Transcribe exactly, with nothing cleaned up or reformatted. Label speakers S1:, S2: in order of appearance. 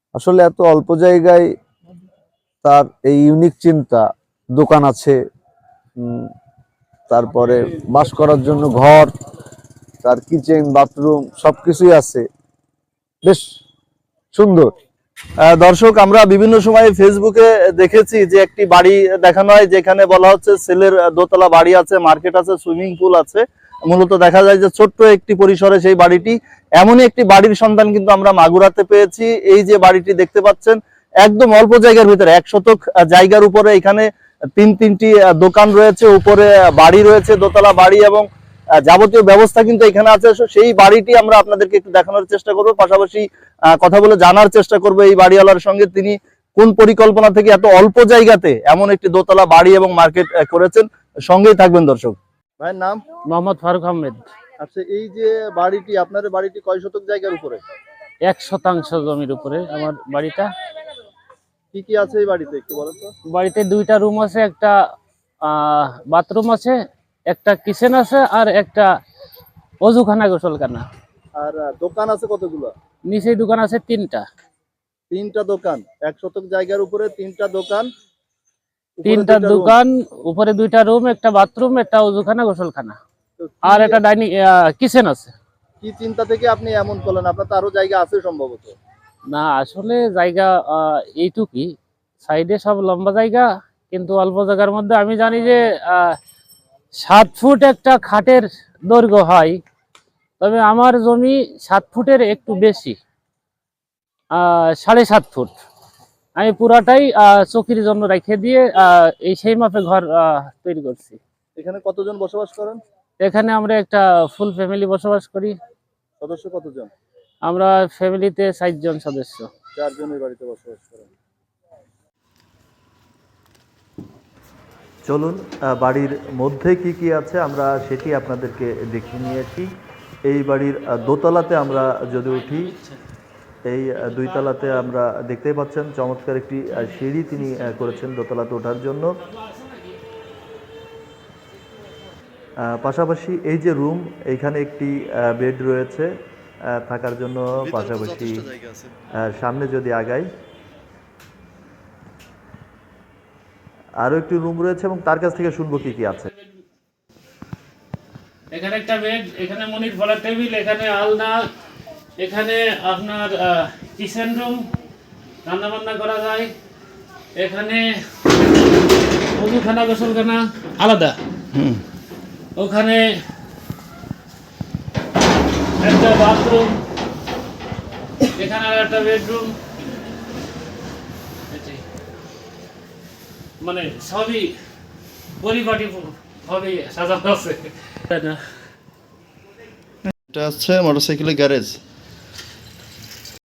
S1: আসলে এত অল্প জায়গায় তার এই ইউনিক চিন্তা, দোকান আছে, তারপরে বাস করার জন্য ঘর, তার কিচেন বাথরুম সবকিছুই আছে, বেশ সুন্দর। দর্শক, আমরা বিভিন্ন সময় ফেসবুকে দেখেছি যে একটি বাড়ি দেখানো হয় যেখানে বলা হচ্ছে ছেলের দোতলা বাড়ি আছে, মার্কেট আছে, সুইমিং পুল আছে। মূলত দেখা যায় যে ছোট্ট একটি পরিসরে সেই বাড়িটি, এমনই একটি বাড়ির সন্ধান কিন্তু আমরা মাগুরাতে পেয়েছি। এই যে বাড়িটি দেখতে পাচ্ছেন একদম অল্প জায়গার ভিতরে, এক শতক জায়গার উপরে এখানে তিন তিনটি দোকান রয়েছে, উপরে বাড়ি রয়েছে, দোতলা বাড়ি এবং যাবতীয় ব্যবস্থা কিন্তু এখানে আছে। সেই বাড়িটি আমরা আপনাদেরকে একটু দেখানোর চেষ্টা করব, পাশাপাশি কথা বলে জানার চেষ্টা করব এই বাড়িওয়ালার সঙ্গে তিনি কোন পরিকল্পনা থেকে এত অল্প জায়গাতে এমন একটি দোতলা বাড়ি এবং মার্কেট করেছেন। সঙ্গেই থাকবেন দর্শক। ভাইয়ের নাম?
S2: মোহাম্মদ ফারুক আহমেদ।
S1: আচ্ছা, এই যে বাড়িটি, আপনার বাড়িটি কয় শতক জায়গার উপরে?
S2: এক শতাংশ জমির উপরে আমার বাড়িটা।
S1: কি কি আছে এই বাড়িতে একটু বলেন তো।
S2: বাড়িতে দুইটা রুম আছে, একটা বাথরুম আছে, একটা কিচেন আছে, আর একটা অজুখানা গোসলখানা।
S1: আর দোকান আছে কতগুলো?
S2: নিচে দোকান আছে তিনটা।
S1: তিনটা দোকান, এক শতক জায়গার উপরে তিনটা দোকান,
S2: তিনটা দোকান, উপরে দুইটা রুম, একটা বাথরুম, একটা অজুখানা গোসলখানা, আর একটা ডাইনিং কিচেন আছে।
S1: কি চিন্তা থেকে আপনি এমন করলেন? আপনার তো আরো জায়গা আছে সম্ভবত।
S2: না, আসলে জায়গা এইটুকুই, সাইডে সব লম্বা জায়গা, কিন্তু অল্প জায়গার মধ্যে আমি জানি যে সাত ফুট একটা খাটের দৈর্ঘ্য হয়, তবে আমার জমি সাত ফুটের একটু বেশি, সাড়ে সাত ফুট। আমি পুরাটাই চকির জন্য রেখে দিয়ে এই সেই মাপে ঘর তৈরি করছি।
S1: এখানে কতজন বসবাস করেন?
S2: এখানে আমরা একটা ফুল ফ্যামিলি বসবাস করি।
S1: সদস্য কতজন?
S2: আমরা ফ্যামিলিতে ষাট জন সদস্য।
S1: চারজনের বাড়িতে বসবাস করেন। চলুন বাড়ির মধ্যে কি কি আছে আমরা সেটি আপনাদেরকে দেখিয়ে নিয়েছি। এই বাড়ির দোতলাতে আমরা যদি উঠি, এই দুই তলাতে আমরা দেখতেই পাচ্ছেন চমৎকার একটি সিঁড়ি তিনি করেছেন দোতলাতে ওঠার জন্য। পাশাপাশি এই যে রুম, এইখানে একটি বেড রয়েছে থাকার জন্য। পাশাপাশি সামনে যদি আগাই, আরো একটি রুম রয়েছে এবং তার কাছ থেকে শুনবো কি কি আছে।
S2: এখানে একটা বেড, এখানে মনির ফলার টেবিল, এখানে আলনা, এখানে আপনার কিচেন রুম, রান্না বান্না করা যায়। এখানে অজুখানা গোসলখানা আলাদা, ওখানে একটা বাথরুম, এখানে আর একটা বেডরুম, মানে সবই পরিপাটি ভাবে সাজানো আছে।
S3: এটা হচ্ছে মোটরসাইকেলের গ্যারেজ।